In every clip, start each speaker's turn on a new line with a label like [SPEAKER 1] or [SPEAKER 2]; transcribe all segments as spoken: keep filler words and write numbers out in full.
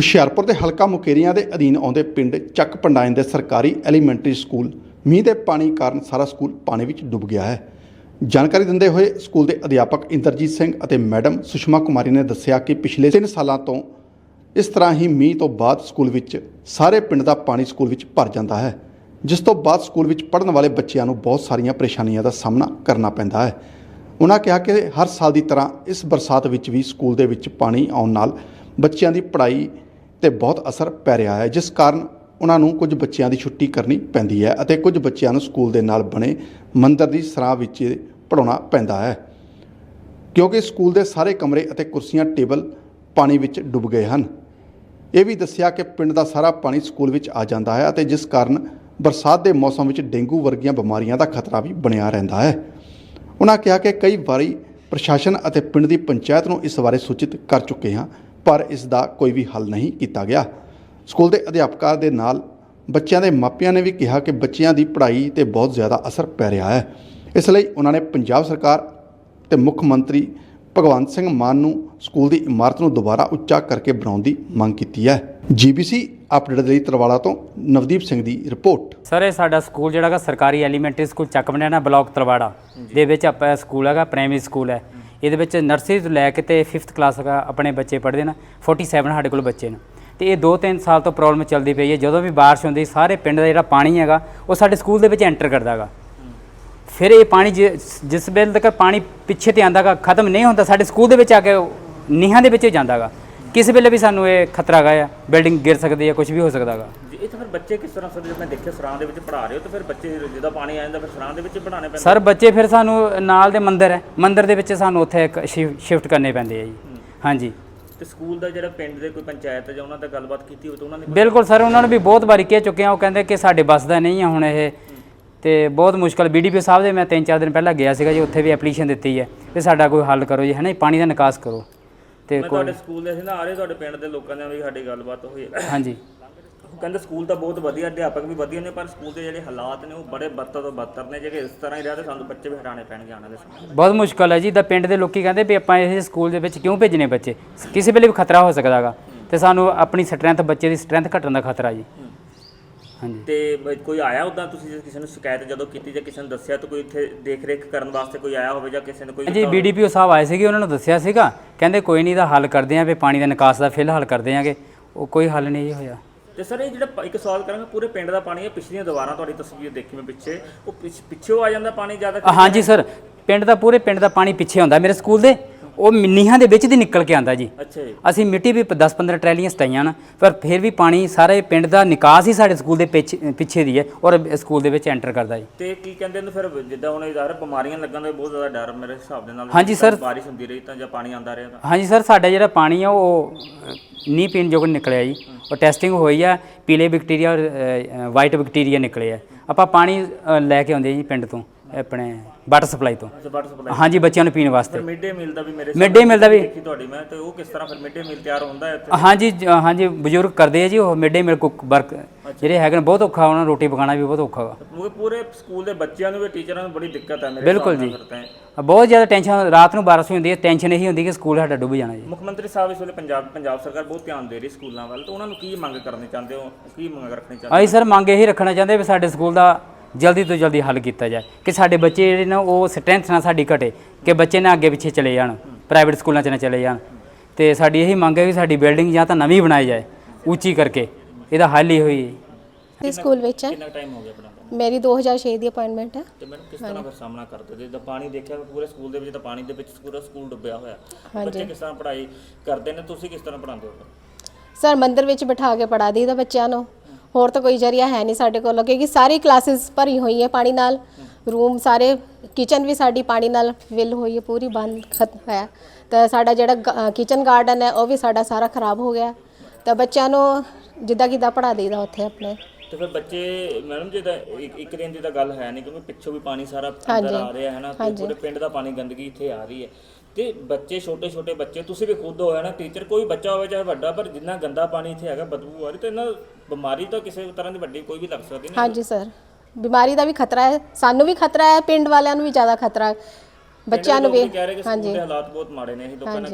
[SPEAKER 1] ਹੁਸ਼ਿਆਰਪੁਰ ਦੇ ਹਲਕਾ ਮੁਕੇਰੀਆਂ ਦੇ ਅਧੀਨ ਆਉਂਦੇ ਪਿੰਡ ਚੱਕ ਪੰਡਾਇਨ ਦੇ ਸਰਕਾਰੀ ਐਲੀਮੈਂਟਰੀ ਸਕੂਲ ਮੀਂਹ ਦੇ ਪਾਣੀ ਕਾਰਨ ਸਾਰਾ ਸਕੂਲ ਪਾਣੀ ਵਿੱਚ ਡੁੱਬ ਗਿਆ ਹੈ। ਜਾਣਕਾਰੀ ਦਿੰਦੇ ਹੋਏ ਸਕੂਲ ਦੇ ਅਧਿਆਪਕ ਇੰਦਰਜੀਤ ਸਿੰਘ ਅਤੇ ਮੈਡਮ ਸੁਸ਼ਮਾ ਕੁਮਾਰੀ ਨੇ ਦੱਸਿਆ ਕਿ ਪਿਛਲੇ ਤਿੰਨ ਸਾਲਾਂ ਤੋਂ ਇਸ ਤਰ੍ਹਾਂ ਹੀ ਮੀਂਹ ਤੋਂ ਬਾਅਦ ਸਕੂਲ ਵਿੱਚ ਸਾਰੇ ਪਿੰਡ ਦਾ ਪਾਣੀ ਸਕੂਲ ਵਿੱਚ ਭਰ ਜਾਂਦਾ ਹੈ, ਜਿਸ ਤੋਂ ਬਾਅਦ ਸਕੂਲ ਵਿੱਚ ਪੜ੍ਹਨ ਵਾਲੇ ਬੱਚਿਆਂ ਨੂੰ ਬਹੁਤ ਸਾਰੀਆਂ ਪਰੇਸ਼ਾਨੀਆਂ ਦਾ ਸਾਹਮਣਾ ਕਰਨਾ ਪੈਂਦਾ ਹੈ। ਉਹਨਾਂ ਕਿਹਾ ਕਿ ਹਰ ਸਾਲ ਦੀ ਤਰ੍ਹਾਂ ਇਸ ਬਰਸਾਤ ਵਿੱਚ ਵੀ ਸਕੂਲ ਦੇ ਵਿੱਚ ਪਾਣੀ ਆਉਣ ਨਾਲ ਬੱਚਿਆਂ ਦੀ ਪੜ੍ਹਾਈ ਤੇ ਬਹੁਤ ਅਸਰ ਪੈ ਰਿਹਾ ਹੈ, ਜਿਸ ਕਾਰਨ ਉਹਨਾਂ ਨੂੰ ਕੁਝ ਬੱਚਿਆਂ ਦੀ ਛੁੱਟੀ ਕਰਨੀ ਪੈਂਦੀ ਹੈ ਅਤੇ ਕੁਝ ਬੱਚਿਆਂ ਨੂੰ ਸਕੂਲ ਦੇ ਨਾਲ ਬਣੇ ਮੰਦਰ ਦੀ ਸਰਾਂ ਵਿੱਚ ਪੜ੍ਹਾਉਣਾ ਪੈਂਦਾ ਹੈ, ਕਿਉਂਕਿ ਸਕੂਲ ਦੇ ਸਾਰੇ ਕਮਰੇ ਅਤੇ ਕੁਰਸੀਆਂ ਟੇਬਲ ਪਾਣੀ ਵਿੱਚ ਡੁੱਬ ਗਏ ਹਨ। ਇਹ ਵੀ ਦੱਸਿਆ ਕਿ ਪਿੰਡ ਦਾ ਸਾਰਾ ਪਾਣੀ ਸਕੂਲ ਵਿੱਚ ਆ ਜਾਂਦਾ ਹੈ ਅਤੇ ਜਿਸ ਕਾਰਨ ਬਰਸਾਤ ਦੇ ਮੌਸਮ ਵਿੱਚ ਡੇਂਗੂ ਵਰਗੀਆਂ ਬਿਮਾਰੀਆਂ ਦਾ ਖਤਰਾ ਵੀ ਬਣਿਆ ਰਹਿੰਦਾ ਹੈ। ਉਹਨਾਂ ਕਿਹਾ ਕਿ ਕਈ ਵਾਰੀ ਪ੍ਰਸ਼ਾਸਨ ਅਤੇ ਪਿੰਡ ਦੀ ਪੰਚਾਇਤ ਨੂੰ ਇਸ ਬਾਰੇ ਸੂਚਿਤ ਕਰ ਚੁੱਕੇ ਹਾਂ, ਪਰ ਇਸ ਦਾ ਕੋਈ ਵੀ ਹੱਲ ਨਹੀਂ ਕੀਤਾ ਗਿਆ। ਸਕੂਲ ਦੇ ਅਧਿਆਪਕਾਂ ਦੇ ਨਾਲ ਬੱਚਿਆਂ ਦੇ ਮਾਪਿਆਂ ਨੇ ਵੀ ਕਿਹਾ ਕਿ ਬੱਚਿਆਂ ਦੀ ਪੜ੍ਹਾਈ 'ਤੇ ਬਹੁਤ ਜ਼ਿਆਦਾ ਅਸਰ ਪੈ ਰਿਹਾ ਹੈ। ਇਸ ਲਈ ਉਹਨਾਂ ਨੇ ਪੰਜਾਬ ਸਰਕਾਰ ਤੇ ਮੁੱਖ ਮੰਤਰੀ ਭਗਵੰਤ ਸਿੰਘ ਮਾਨ ਨੂੰ ਸਕੂਲ ਦੀ ਇਮਾਰਤ ਨੂੰ ਦੁਬਾਰਾ ਉੱਚਾ ਕਰਕੇ ਬਣਾਉਣ ਦੀ ਮੰਗ ਕੀਤੀ ਹੈ। ਜੀਬੀਸੀ ਅਪਡੇਟ ਲਈ ਤਰਵਾਲਾ ਤੋਂ ਨਵਦੀਪ ਸਿੰਘ ਦੀ ਰਿਪੋਰਟ।
[SPEAKER 2] ਸਰ ਇਹ ਸਾਡਾ ਸਕੂਲ ਜਿਹੜਾ ਹੈਗਾ ਸਰਕਾਰੀ ਐਲੀਮੈਂਟਰੀ ਸਕੂਲ ਚੱਕ ਬਣਿਆ ਬਲਾਕ ਤਰਵਾੜਾ ਦੇ ਵਿੱਚ ਆਪਾਂ ਸਕੂਲ ਹੈਗਾ, ਪ੍ਰਾਇਮਰੀ ਸਕੂਲ ਹੈ। ਇਹਦੇ ਵਿੱਚ ਨਰਸਰੀ ਤੋਂ ਲੈ ਕੇ ਤੇ ਫਿਫਥ ਕਲਾਸ ਤੱਕ ਆਪਣੇ ਬੱਚੇ ਪੜ੍ਹਦੇ ਨੇ। ਸੈਂਤਾਲੀ ਸਾਡੇ ਕੋਲ ਬੱਚੇ ਨੇ ਤੇ ਇਹ ਦੋ ਤਿੰਨ ਸਾਲ ਤੋਂ ਪ੍ਰੋਬਲਮ ਚੱਲਦੀ ਪਈ ਹੈ। ਜਦੋਂ ਵੀ ਬਾਰਿਸ਼ ਹੁੰਦੀ ਸਾਰੇ ਪਿੰਡ ਦਾ ਜਿਹੜਾ ਪਾਣੀ ਹੈਗਾ ਉਹ ਸਾਡੇ ਸਕੂਲ ਦੇ ਵਿੱਚ ਐਂਟਰ ਕਰਦਾ ਹੈਗਾ। ਫਿਰ ਇਹ ਪਾਣੀ ਜਿਸ ਵੇਲੇ ਤੱਕ ਪਾਣੀ ਪਿੱਛੇ ਤੇ ਆਉਂਦਾ ਗਾ ਖਤਮ ਨਹੀਂ ਹੁੰਦਾ, ਸਾਡੇ ਸਕੂਲ ਦੇ ਵਿੱਚ ਆ ਕੇ ਨੀਹਾਂ ਦੇ ਵਿੱਚ ਜਾਂਦਾ ਗਾ। ਕਿਸੇ ਵੇਲੇ ਵੀ ਸਾਨੂੰ ਇਹ ਖਤਰਾ ਹੈਗਾ, ਬਿਲਡਿੰਗ ਗਿਰ ਸਕਦੀ ਹੈ, ਕੁਝ ਵੀ ਹੋ ਸਕਦਾ ਹੈਗਾ।
[SPEAKER 3] ਇਹ ਤਾਂ ਫਿਰ ਬੱਚੇ ਕਿਸ ਤਰ੍ਹਾਂ ਸਰ, ਜਦੋਂ ਮੈਂ ਦੇਖਿਆ ਸਰਾਂ ਦੇ ਵਿੱਚ ਪੜ੍ਹਾ ਰਹੇ ਹੋ ਤਾਂ ਫਿਰ ਬੱਚੇ ਜਦੋਂ ਪਾਣੀ ਆ ਜਾਂਦਾ ਫਿਰ ਸਰਾਂ ਦੇ ਵਿੱਚ ਪੜ੍ਹਾਉਣੇ ਪੈਂਦੇ
[SPEAKER 2] ਸਰ? ਬੱਚੇ ਫਿਰ ਸਾਨੂੰ ਨਾਲ ਦੇ ਮੰਦਿਰ ਹੈ, ਮੰਦਿਰ ਦੇ ਵਿੱਚ ਸਾਨੂੰ ਉੱਥੇ ਇੱਕ ਸ਼ਿਫਟ ਕਰਨੇ ਪੈਂਦੇ ਆ ਜੀ। ਹਾਂਜੀ।
[SPEAKER 3] ਤੇ ਸਕੂਲ ਦਾ ਜਿਹੜਾ ਪਿੰਡ ਦੇ ਕੋਈ ਪੰਚਾਇਤ ਜਾਂ ਉਹਨਾਂ ਦਾ ਗੱਲਬਾਤ ਕੀਤੀ ਹੋਵੇ ਤਾਂ ਉਹਨਾਂ ਨੇ?
[SPEAKER 2] ਬਿਲਕੁਲ ਸਰ, ਉਹਨਾਂ ਨੂੰ ਵੀ ਬਹੁਤ ਵਾਰੀ ਕਹਿ ਚੁੱਕੇ ਆ। ਉਹ ਕਹਿੰਦੇ ਕਿ ਸਾਡੇ ਬੱਸ ਦਾ ਨਹੀਂ ਆ ਹੁਣ ਇਹ, ਤੇ ਬਹੁਤ ਮੁਸ਼ਕਲ। ਬੀ ਡੀ ਪੀ ਸਾਹਿਬ ਦੇ ਮੈਂ ਤਿੰਨ ਚਾਰ ਦਿਨ ਪਹਿਲਾਂ ਗਿਆ ਸੀਗਾ ਜੀ, ਉੱਥੇ ਵੀ ਐਪਲੀਕੇਸ਼ਨ ਦਿੱਤੀ ਹੈ ਵੀ ਸਾਡਾ ਕੋਈ ਹੱਲ ਕਰੋ ਜੀ, ਹੈ ਨਾ, ਪਾਣੀ ਦਾ ਨਿਕਾਸ ਕਰੋ। ਤੇ
[SPEAKER 3] ਤੁਹਾਡੇ ਸਕੂਲ ਦੇ ਅਸੀਂ ਨਾ ਆ ਰਹੇ, ਤੁਹਾਡੇ ਪਿੰਡ ਦੇ ਲੋਕਾਂ ਨਾਲ ਵੀ ਸਾਡੀ ਗੱਲਬਾਤ ਹੋਈ।
[SPEAKER 2] ਹਾਂਜੀ।
[SPEAKER 3] ਉਹ ਕਹਿੰਦੇ ਸਕੂਲ ਤਾਂ ਬਹੁਤ ਵਧੀਆ, ਅਧਿਆਪਕ ਵੀ ਵਧੀਆ ਨੇ, ਪਰ ਸਕੂਲ ਦੇ ਜਿਹੜੇ ਹਾਲਾਤ ਨੇ ਉਹ ਬੜੇ ਬੱਤਰ ਤੋਂ ਬੱਤਰ ਨੇ। ਜੇ ਇਸ ਤਰ੍ਹਾਂ ਹੀ ਰਿਹਾ ਤਾਂ ਸਾਨੂੰ ਬੱਚੇ ਵੀ ਹਟਾਉਣੇ ਪੈਣਗੇ ਆਉਣ ਵਾਲੇ ਸਮੇਂ।
[SPEAKER 2] ਬਹੁਤ ਮੁਸ਼ਕਲ ਹੈ ਜੀ। ਤਾਂ ਪਿੰਡ ਦੇ ਲੋਕੀ ਕਹਿੰਦੇ ਵੀ ਆਪਾਂ ਇਹ ਸਕੂਲ ਦੇ ਵਿੱਚ ਕਿਉਂ ਭੇਜਣੇ ਬੱਚੇ, ਕਿਸੇ ਵੇਲੇ ਵੀ ਖਤਰਾ ਹੋ ਸਕਦਾ ਗਾ, ਤੇ ਸਾਨੂੰ ਆਪਣੀ ਸਟਰੈਂਥ, ਬੱਚੇ ਦੀ ਸਟਰੈਂਥ ਘਟਣ ਦਾ ਖਤਰਾ ਜੀ। ਹਾਂਜੀ।
[SPEAKER 3] ਤੇ ਕੋਈ ਆਇਆ ਉੱਦਾਂ, ਤੁਸੀਂ ਕਿਸੇ ਨੂੰ ਸ਼ਿਕਾਇਤ ਜਦੋਂ ਕੀਤੀ ਜਾਂ ਕਿਸੇ ਨੂੰ ਦੱਸਿਆ ਤਾਂ ਕੋਈ ਇੱਥੇ ਦੇਖ ਰੇਖ ਕਰਨ ਵਾਸਤੇ ਕੋਈ ਆਇਆ ਹੋਵੇ ਜਾਂ ਕਿਸੇ ਨੇ ਕੋਈ?
[SPEAKER 2] ਜੀ ਬੀ ਡੀ ਪੀ ਓ ਸਾਹਿਬ ਆਏ ਸੀਗੇ, ਉਹਨਾਂ ਨੂੰ ਦੱਸਿਆ ਸੀਗਾ, ਕਹਿੰਦੇ ਕੋਈ ਨਹੀਂ ਦਾ ਹੱਲ ਕਰਦੇ ਆਂ ਵੀ ਪਾਣੀ ਦਾ ਨਿਕਾਸ ਦਾ ਫਿਲਹਾਲ ਕਰਦੇ ਆਂਗੇ। ਉਹ ਕੋਈ ਹੱਲ ਨਹੀਂ ਹੋਇਆ।
[SPEAKER 3] ਤੇ ਸਰ ਇਹ ਜਿਹੜਾ ਇੱਕ ਸਵਾਲ ਕਰਾਂਗਾ, ਪੂਰੇ ਪਿੰਡ ਦਾ ਪਾਣੀ ਹੈ, ਪਿਛਲੀਆਂ ਦੀਵਾਰਾਂ ਤੁਹਾਡੀ ਤਸਵੀਰ ਦੇਖੀ ਮੈਂ ਪਿੱਛੇ, ਉਹ ਪਿੱਛੇ ਆ ਜਾਂਦਾ ਪਾਣੀ ਜ਼ਿਆਦਾ?
[SPEAKER 2] ਹਾਂਜੀ ਸਰ, ਪਿੰਡ ਦਾ ਪੂਰੇ ਪਿੰਡ ਦਾ ਪਾਣੀ ਪਿੱਛੇ ਆਉਂਦਾ ਮੇਰੇ ਸਕੂਲ ਦੇ, ਉਹ ਨੀਹਾਂ ਦੇ ਵਿੱਚ ਦੀ ਨਿਕਲ ਕੇ ਆਉਂਦਾ ਜੀ।
[SPEAKER 3] ਅੱਛਾ ਜੀ।
[SPEAKER 2] ਅਸੀਂ ਮਿੱਟੀ ਵੀ ਦਸ ਪੰਦਰਾਂ ਟਰੈਲੀਆਂ ਸਟਾਈਆਂ ਨਾ, ਪਰ ਫਿਰ ਵੀ ਪਾਣੀ ਸਾਰੇ ਪਿੰਡ ਦਾ ਨਿਕਾਸ ਹੀ ਸਾਡੇ ਸਕੂਲ ਦੇ ਪਿੱਛੇ ਦੀ ਹੈ ਔਰ ਸਕੂਲ ਦੇ ਵਿੱਚ ਐਂਟਰ ਕਰਦਾ ਜੀ।
[SPEAKER 3] ਤੇ ਕੀ ਕਹਿੰਦੇ ਨੇ ਫਿਰ, ਜਿੱਦਾਂ ਹੁਣ ਇਧਰ ਬਿਮਾਰੀਆਂ ਲੱਗਣ ਦਾ ਬਹੁਤ ਜ਼ਿਆਦਾ ਡਰ ਮੇਰੇ ਹਿਸਾਬ ਦੇ ਨਾਲ?
[SPEAKER 2] ਹਾਂਜੀ ਸਰ।
[SPEAKER 3] ਬਾਰਿਸ਼ ਹੁੰਦੀ ਰਹੀ ਤਾਂ ਜਾਂ ਪਾਣੀ ਆਉਂਦਾ ਰਿਹਾ ਤਾਂ?
[SPEAKER 2] ਹਾਂਜੀ ਸਰ, ਸਾਡਾ ਜਿਹੜਾ ਪਾਣੀ ਆ ਉਹ ਨਹੀਂ ਪੀਣ ਯੋਗ ਨਿਕਲਿਆ ਜੀ। ਉਹ ਟੈਸਟਿੰਗ ਹੋਈ ਆ, ਪੀਲੇ ਬੈਕਟੀਰੀਆ ਔਰ ਵਾਈਟ ਬੈਕਟੀਰੀਆ ਨਿਕਲੇ ਆ। ਆਪਾਂ ਪਾਣੀ ਲੈ ਕੇ ਆਉਂਦੇ ਜੀ ਪਿੰਡ ਤੋਂ, ਆਪਣੇ ਵਾਟਰ ਸਪਲਾਈ ਤੋਂ।
[SPEAKER 3] Water supply? ਹਾਂਜੀ,
[SPEAKER 2] ਬੱਚਿਆਂ ਨੂੰ ਪੀਣ ਵਾਸਤੇ।
[SPEAKER 3] ਮਿਡ ਡੇ ਮੀਲ ਦਾ ਵੀ ਮੇਰੇ
[SPEAKER 2] ਮਿਡ ਡੇ ਮੀਲ ਦਾ ਵੀ
[SPEAKER 3] ਦੇਖੀ ਤੁਹਾਡੀ ਮੈਂ, ਤੇ ਉਹ ਕਿਸ ਤਰ੍ਹਾਂ ਫਿਰ ਮਿਡ ਡੇ ਮੀਲ ਤਿਆਰ ਹੁੰਦਾ ਹੈ ਇੱਥੇ?
[SPEAKER 2] ਹਾਂਜੀ ਹਾਂਜੀ, ਬਜ਼ੁਰਗ ਕਰਦੇ ਆ ਜੀ ਉਹ mid day meal cook work ਜਿਹੜੇ ਹੈਗੇ ਨੇ। ਬਹੁਤ ਔਖਾ ਉਹਨਾਂ ਨੂੰ ਰੋਟੀ ਪਕਾਉਣਾ ਵੀ ਬਹੁਤ ਔਖਾ ਵਾ।
[SPEAKER 3] ਪੂਰੇ ਸਕੂਲ ਦੇ ਬੱਚਿਆਂ ਨੂੰ ਵੀ ਟੀਚਰਾਂ ਨੂੰ ਬੜੀ ਦਿੱਕਤ ਹੈ ਮੇਰੇ?
[SPEAKER 2] ਬਿਲਕੁਲ ਜੀ, ਬਹੁਤ ਜ਼ਿਆਦਾ ਟੈਨਸ਼ਨ। ਰਾਤ ਨੂੰ ਬਾਰਿਸ਼ ਹੁੰਦੀ ਹੈ, ਟੈਨਸ਼ਨ ਇਹੀ ਹੁੰਦੀ ਕਿ ਸਕੂਲ ਸਾਡਾ ਡੁੱਬ ਜਾਣਾ ਜੀ।
[SPEAKER 3] ਮੁੱਖ ਮੰਤਰੀ ਸਾਹਿਬ ਇਸ ਵੇਲੇ ਪੰਜਾਬ ਪੰਜਾਬ ਸਰਕਾਰ ਬਹੁਤ ਧਿਆਨ ਦੇ ਰਹੀ ਸਕੂਲਾਂ ਵੱਲ, ਤਾਂ ਉਹਨਾਂ ਨੂੰ ਕੀ ਮੰਗ ਕਰਨੀ ਚਾਹੁੰਦੇ ਹੋ, ਕੀ ਮੰਗ ਰੱਖਣੀ ਚਾਹੁੰਦੇ?
[SPEAKER 2] ਅਸੀਂ ਸਰ ਮੰਗ ਇਹੀ ਰੱਖਣਾ ਚਾਹੁੰਦੇ ਵੀ ਸਾਡੇ ਸਕੂਲ ਦਾ ਜਲਦੀ ਤੋਂ ਜਲਦੀ ਹੱਲ ਕੀਤਾ ਜਾਏ, ਕਿ ਸਾਡੇ ਬੱਚੇ ਜਿਹੜੇ ਨੇ ਉਹ ਸਟਰੈਂਥ ਨਾਲ ਸਾਡੀ ਘਟੇ, ਕਿ ਬੱਚੇ ਨਾ ਅੱਗੇ ਪਿੱਛੇ ਚਲੇ ਜਾਣ, ਪ੍ਰਾਈਵੇਟ ਸਕੂਲਾਂ 'ਚ ਨਾ ਚਲੇ ਜਾਣ। ਤੇ ਸਾਡੀ ਇਹੀ ਮੰਗ ਹੈ ਵੀ ਸਾਡੀ ਬਿਲਡਿੰਗ ਜਾਂ ਤਾਂ ਨਵੀਂ ਬਣਾਈ ਜਾਏ ਉੱਚੀ ਕਰਕੇ, ਇਹਦਾ ਹੱਲ ਹੀ ਹੋਈ।
[SPEAKER 4] ਇਸ ਸਕੂਲ ਵਿੱਚ
[SPEAKER 3] ਕਿੰਨਾ ਟਾਈਮ ਹੋ ਗਿਆ ਪੜ੍ਹਾਉਂਦੇ?
[SPEAKER 4] ਮੇਰੀ ਦੋ ਹਜ਼ਾਰ ਛੇ ਦੀ ਅਪਾਇੰਟਮੈਂਟ ਹੈ।
[SPEAKER 3] ਤੇ ਮੈਨੂੰ ਕਿਸ ਤਰ੍ਹਾਂ ਫਿਰ ਸਾਹਮਣਾ ਕਰਦੇ ਜੇ ਪਾਣੀ ਦੇਖਿਆ ਪੂਰੇ ਸਕੂਲ ਦੇ ਵਿੱਚ, ਤਾਂ ਪਾਣੀ ਦੇ ਵਿੱਚ ਪੂਰਾ ਸਕੂਲ ਡੁੱਬਿਆ ਹੋਇਆ, ਬੱਚੇ ਕਿਸ ਤਰ੍ਹਾਂ ਪੜ੍ਹਾਈ ਕਰਦੇ ਨੇ? ਤੁਸੀਂ ਕਿਸ ਤਰ੍ਹਾਂ ਪੜ੍ਹਾਉਂਦੇ ਹੋ?
[SPEAKER 4] ਸਰ ਮੰਦਿਰ ਵਿੱਚ ਬਿਠਾ ਕੇ ਪੜ੍ਹਾ ਦਈਦਾ ਬੱਚਿਆਂ ਨੂੰ, ਹੋਰ ਤਾਂ ਕੋਈ ਜ਼ਰੀਆ ਹੈ ਨਹੀਂ ਸਾਡੇ ਕੋਲ, ਕਿਉਂਕਿ ਸਾਰੀ ਕਲਾਸਿਸ ਭਰੀ ਹੋਈ ਹੈ ਪਾਣੀ ਨਾਲ। ਰੂਮ ਸਾਰੇ, ਕਿਚਨ ਵੀ ਸਾਡੀ ਪਾਣੀ ਨਾਲ ਫਿਲ ਹੋਈ ਹੈ, ਪੂਰੀ ਬੰਦ ਖਤਮ ਹੈ। ਤਾਂ ਸਾਡਾ ਜਿਹੜਾ ਕਿਚਨ ਗਾਰਡਨ ਹੈ ਉਹ ਵੀ ਸਾਡਾ ਸਾਰਾ ਖਰਾਬ ਹੋ ਗਿਆ। ਤਾਂ ਬੱਚਿਆਂ ਨੂੰ ਜਿੱਦਾਂ ਕਿੱਦਾਂ ਪੜ੍ਹਾ ਦਈਦਾ ਉੱਥੇ ਆਪਣੇ। ਤੇ
[SPEAKER 3] ਫਿਰ ਬੱਚੇ ਮੈਡਮ ਜੀ ਦਾ ਇੱਕ ਦਿਨ ਦੀ ਤਾਂ ਗੱਲ ਹੈ ਨਹੀਂ, ਕਿਉਂਕਿ ਪਿੱਛੋਂ ਵੀ ਪਾਣੀ ਸਾਰਾ ਅੰਦਰ ਆ ਰਿਹਾ ਹੈ ਨਾ, ਪੂਰੇ ਪਿੰਡ ਦਾ ਪਾਣੀ, ਗੰਦਗੀ ਇੱਥੇ ਆ ਰਹੀ ਹੈ। ਤੇ ਬੱਚੇ ਛੋਟੇ ਛੋਟੇ ਬੱਚੇ, ਤੁਸੀਂ ਵੀ ਖੁਦ ਹੋਇਆ ਨਾ ਟੀਚਰ, ਕੋਈ ਬੱਚਾ ਹੋਵੇ ਚਾਹੇ ਵੱਡਾ, ਪਰ ਜਿੰਨਾ ਗੰਦਾ ਪਾਣੀ ਇੱਥੇ ਹੈਗਾ, ਬਦਬੂ ਆ ਰਹੀ, ਤਾਂ ਇਹਨਾਂ ਬਿਮਾਰੀ ਤਾਂ ਕਿਸੇ ਤਰ੍ਹਾਂ ਦੀ ਵੱਡੀ ਕੋਈ ਵੀ ਲੱਗ ਸਕਦੀ ਨਹੀਂ?
[SPEAKER 4] ਹਾਂਜੀ ਸਰ, ਬਿਮਾਰੀ ਦਾ ਵੀ ਖਤਰਾ ਹੈ, ਸਾਨੂੰ ਵੀ ਖਤਰਾ ਹੈ, ਪਿੰਡ ਵਾਲਿਆਂ ਨੂੰ ਵੀ ਜ਼ਿਆਦਾ ਖਤਰਾ ਹੈ, ਬੱਚਿਆਂ ਨੂੰ ਵੀ।
[SPEAKER 3] ਹਾਂਜੀ, ਹਾਲਾਤ ਬਹੁਤ ਮਾੜੇ ਨੇ, ਇਹ ਲੋਕਾਂ ਨੇ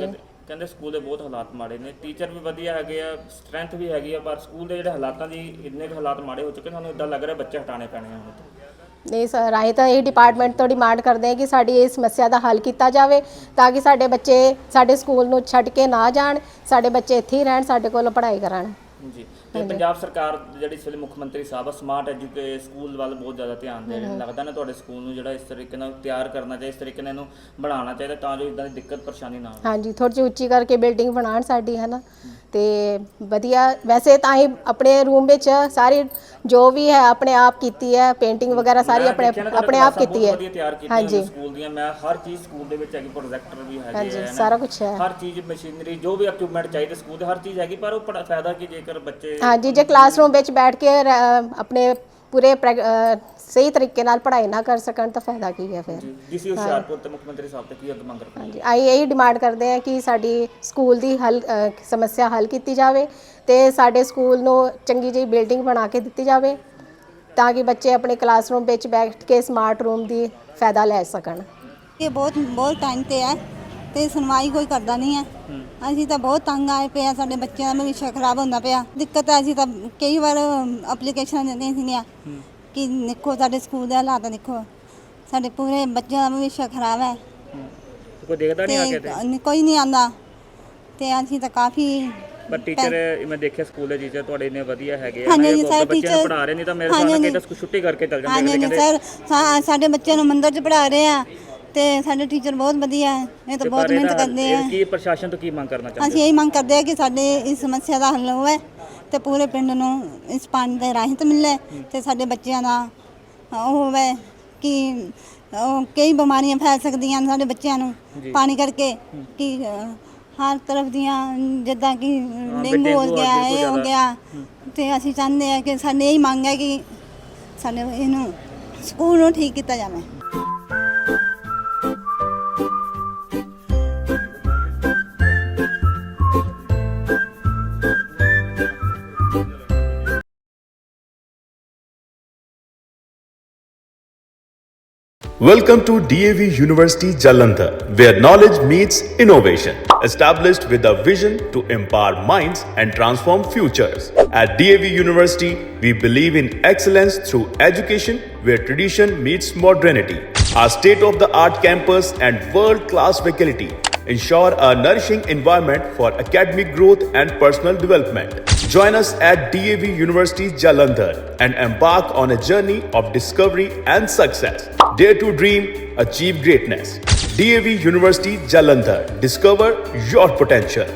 [SPEAKER 3] ਕਹਿੰਦੇ ਸਕੂਲ ਦੇ ਬਹੁਤ ਹਾਲਾਤ ਮਾੜੇ ਨੇ, ਟੀਚਰ ਵੀ ਵਧੀਆ ਹੈਗੇ ਆ, ਸਟਰੈਂਥ ਵੀ ਹੈਗੀ ਆ, ਪਰ ਸਕੂਲ ਦੇ ਜਿਹੜੇ ਹਾਲਾਤਾਂ ਦੀ ਇੰਨੇ ਕੁ ਹਾਲਾਤ ਮਾੜੇ ਹੋ ਚੁੱਕੇ, ਸਾਨੂੰ ਇਦਾਂ ਲੱਗ ਰਿਹਾ ਬੱਚੇ ਹਟਾਣੇ ਪੈਣੇ ਆ ਹੁਣ ਤੋਂ।
[SPEAKER 4] ਨਹੀਂ ਸਰ, ਅਸੀਂ ਤਾਂ ਇਹ ਡਿਪਾਰਟਮੈਂਟ ਤੋਂ ਡਿਮਾਂਡ ਕਰਦੇ ਹਾਂ ਕਿ ਸਾਡੀ ਇਹ ਸਮੱਸਿਆ ਦਾ ਹੱਲ ਕੀਤਾ ਜਾਵੇ ਤਾਂ ਕਿ ਸਾਡੇ ਬੱਚੇ ਸਾਡੇ ਸਕੂਲ ਨੂੰ ਛੱਡ ਕੇ ਨਾ ਜਾਣ, ਸਾਡੇ ਬੱਚੇ ਇੱਥੇ ਹੀ ਰਹਿਣ, ਸਾਡੇ ਕੋਲੋਂ ਪੜ੍ਹਾਈ ਕਰਨ।
[SPEAKER 3] ਜੀ, ਤੇ ਪੰਜਾਬ ਸਰਕਾਰ ਜਿਹੜੀ ਇਸ ਵੇਲੇ ਮੁੱਖ ਮੰਤਰੀ ਸਾਹਿਬ ਆ ਸਮਾਰਟ ਐਜੂਕੇ ਸਕੂਲ ਵੱਲ ਬਹੁਤ ਜ਼ਿਆਦਾ ਧਿਆਨ ਦੇ ਰਹੇ ਨੇ, ਲੱਗਦਾ ਨਾ ਤੁਹਾਡੇ ਸਕੂਲ ਨੂੰ ਜਿਹੜਾ ਇਸ ਤਰੀਕੇ ਨਾਲ ਤਿਆਰ ਕਰਨਾ ਚਾਹੀਦਾ, ਇਸ ਤਰੀਕੇ ਨਾਲ ਇਹਨੂੰ ਬਣਾਉਣਾ ਚਾਹੀਦਾ ਤਾਂ ਜੋ ਇਦਾਂ ਦੀ ਦਿੱਕਤ ਪਰੇਸ਼ਾਨੀ ਨਾ ਆਵੇ।
[SPEAKER 4] ਹਾਂਜੀ, ਥੋੜ੍ਹੀ ਜਿਹੀ ਉੱਚੀ ਕਰਕੇ ਬਿਲਡਿੰਗ ਬਣਾਉਣ ਸਾਡੀ, ਹੈ ਨਾ, ਤੇ ਵਧੀਆ। ਵੈਸੇ ਤਾਂ ਹੀ ਆਪਣੇ ਰੂਮ ਵਿੱਚ ਸਾਰੀ ਜੋ ਵੀ ਹੈ ਆਪਣੇ ਆਪ ਕੀਤੀ ਹੈ, ਪੇਂਟਿੰਗ ਵਗੈਰਾ ਸਾਰੀ ਆਪਣੇ ਆਪਣੇ ਆਪ ਕੀਤੀ ਹੈ।
[SPEAKER 3] ਹਾਂਜੀ, ਸਕੂਲ ਦੀਆਂ ਮੈਂ ਹਰ ਚੀਜ਼ ਸਕੂਲ ਦੇ ਵਿੱਚ ਹੈਗੀ, ਪ੍ਰੋਜੈਕਟਰ ਵੀ ਹੈਗੇ
[SPEAKER 4] ਹਾਂਜੀ,
[SPEAKER 3] ਆ,
[SPEAKER 4] ਸਾਰਾ ਕੁਝ ਹੈ,
[SPEAKER 3] ਹਰ ਚੀਜ਼ ਮਸ਼ੀਨਰੀ ਜੋ ਵੀ ਇਕਵਿਪਮੈਂਟ ਚਾਹੀਦੇ ਸਕੂਲ ਦੇ ਹਰ ਚੀਜ਼ ਹੈਗੀ, ਪਰ ਉਹ ਪੜਾ ਫਾਇਦਾ ਕੀ ਜੇਕਰ ਬੱਚੇ
[SPEAKER 4] ਹਾਂਜੀ ਜੇ ਕਲਾਸਰੂਮ ਵਿੱਚ ਬੈਠ ਕੇ ਰ- ਆਪਣੇ ਪੂਰੇ ਪ੍ਰੈਕ- ਅ, ਸਹੀ ਤਰੀਕੇ ਨਾਲ ਪੜ੍ਹਾਈ ਨਾ ਕਰ ਸਕਣ ਤਾਂ ਫਾਇਦਾ ਕੀ ਹੈ ਫਿਰ।
[SPEAKER 3] ਡੀਸੀ ਹੁਸ਼ਿਆਰਪੁਰ ਤੇ ਮੁੱਖ ਮੰਤਰੀ ਸਾਹਿਬ ਤੇ ਕੀ ਅੱਗ ਮੰਗ ਰਹੇ?
[SPEAKER 4] ਹਾਂਜੀ, ਅਸੀਂ ਇਹੀ ਡਿਮਾਂਡ ਕਰਦੇ ਹਾਂ ਕਿ ਸਾਡੀ ਸਕੂਲ ਦੀ ਹੱਲ ਅ, ਸਮੱਸਿਆ ਹੱਲ ਕੀਤੀ ਜਾਵੇ ਤੇ ਸਾਡੇ ਸਕੂਲ ਨੂੰ ਚੰਗੀ ਜਿਹੀ ਬਿਲਡਿੰਗ ਬਣਾ ਕੇ ਦਿੱਤੀ ਜਾਵੇ ਤਾਂ ਕਿ ਬੱਚੇ ਆਪਣੇ ਕਲਾਸਰੂਮ ਵਿੱਚ ਬੈਠ ਕੇ ਸਮਾਰਟ ਰੂਮ ਦੀ ਫਾਇਦਾ ਲੈ ਸਕਣ।
[SPEAKER 5] ਇਹ ਬਹੁਤ ਬਹੁਤ ਟਾਈਮ ਤੇ ਹੈ ਤੇ ਸੁਣਵਾਈ ਕੋਈ ਕਰਦਾ ਨਹੀਂ ਹੈ। ਅਸੀਂ ਤਾਂ ਬਹੁਤ ਤੰਗ ਆਏ ਪਏ ਆ, ਸਾਡੇ ਬੱਚਿਆਂ ਦਾ ਭਵਿੱਖ ਖਰਾਬ ਹੁੰਦਾ ਪਿਆ। ਦਿੱਕਤ ਹੈ, ਅਸੀਂ ਤਾਂ ਕਈ ਵਾਰ ਐਪਲੀਕੇਸ਼ਨਾਂ ਦਿੰਦੇ ਸੀਗੀਆਂ ਕਿ ਦੇਖੋ ਸਾਡੇ ਸਕੂਲ ਦੇ ਹਾਲਾਤ ਦੇਖੋ, ਸਾਡੇ ਪੂਰੇ ਬੱਚਿਆਂ ਦਾ ਭਵਿੱਖ ਖਰਾਬ ਹੈ
[SPEAKER 3] ਕੋਈ ਦੇਖਦਾ ਨਹੀਂ ਆ ਕੇ ਤੇ
[SPEAKER 5] ਤੇ ਕੋਈ ਨਹੀਂ ਆਉਂਦਾ ਤੇ ਅਸੀਂ ਤਾਂ ਕਾਫੀ।
[SPEAKER 3] ਪਰ ਟੀਚਰ ਮੈਂ ਦੇਖਿਆ ਸਕੂਲ ਦੇ ਟੀਚਰ ਤੁਹਾਡੇ ਇੰਨੇ ਵਧੀਆ ਹੈਗੇ ਆ,
[SPEAKER 5] ਹਾਂਜੀ,
[SPEAKER 3] ਨਾ
[SPEAKER 5] ਸਰ,
[SPEAKER 3] ਬੱਚਿਆਂ ਨੂੰ
[SPEAKER 5] ਟੀਚਰ-
[SPEAKER 3] ਪੜ੍ਹਾ ਰਹੇ ਨਹੀਂ ਤਾਂ ਮੇਰੇ
[SPEAKER 5] ਹਾਂਜੀ,
[SPEAKER 3] ਸਾਹਮਣੇ
[SPEAKER 5] ਹਾਂਜੀ।
[SPEAKER 3] ਕਿਤੇ ਛੁੱਟੀ ਕਰਕੇ ਚੱਲ ਜਾਂਦੇ
[SPEAKER 5] ਹਾਂਜੀ
[SPEAKER 3] ਨੇ,
[SPEAKER 5] ਹਾਂਜੀ
[SPEAKER 3] ਕਹਿੰਦੇ
[SPEAKER 5] ਸਰ, ਸਾ- ਸਾਡੇ ਬੱਚਿਆਂ ਨੂੰ ਮੰਦਰ 'ਚ ਪੜ੍ਹਾ ਰਹੇ ਆ ਤੇ ਸਾਡੇ ਟੀਚਰ ਬਹੁਤ ਵਧੀਆ ਹੈ, ਇਹ ਤਾਂ ਬਹੁਤ ਮਿਹਨਤ ਕਰਦੇ ਆ।
[SPEAKER 3] ਕੀ ਪ੍ਰਸ਼ਾਸਨ ਤੋਂ ਕੀ ਮੰਗ ਕਰਨਾ ਚਾਹੁੰਦੇ
[SPEAKER 5] ਅਸੀਂ ਇਹੀ ਮੰਗ ਕਰਦੇ ਹਾਂ ਕਿ ਸਾਡੇ ਇਸ ਸਮੱਸਿਆ ਦਾ ਹੱਲ ਹੋਵੇ ਤੇ ਪੂਰੇ ਪਿੰਡ ਨੂੰ ਇਸ ਪਾਣੀ ਦੇ ਰਾਹਤ ਮਿਲੇ ਤੇ ਸਾਡੇ ਬੱਚਿਆਂ ਦਾ ਉਹ ਹੋਵੇ ਕਿ ਉਹ ਕਈ ਬਿਮਾਰੀਆਂ ਫੈਲ ਸਕਦੀਆਂ ਨੇ ਸਾਡੇ ਬੱਚਿਆਂ ਨੂੰ ਪਾਣੀ ਕਰਕੇ, ਕਿ ਅ, ਹਰ ਤਰਫ ਦੀਆਂ ਜਿੱਦਾਂ ਕਿ ਡੇਂਗੂ ਹੋ ਗਿਆ, ਇਹ ਹੋ ਗਿਆ, ਤੇ ਅਸੀਂ ਚਾਹੁੰਦੇ ਹਾਂ ਕਿ ਸਾਡੇ ਇਹੀ ਮੰਗ ਹੈ ਕਿ ਸਾਡੇ ਇਹਨੂੰ ਸਕੂਲ ਨੂੰ ਠੀਕ ਕੀਤਾ ਜਾਵੇ।
[SPEAKER 6] Welcome to D A V University Jalandhar, where knowledge meets innovation. Established with a vision to empower minds and transform futures. At D A V University, we believe in excellence through education where tradition meets modernity. Our state-of-the-art campus and world-class faculty ensure a nourishing environment for academic growth and personal development. Join us at D A V University Jalandhar and embark on a journey of discovery and success. Dare to dream, achieve greatness. D A V University Jalandhar. Discover your potential.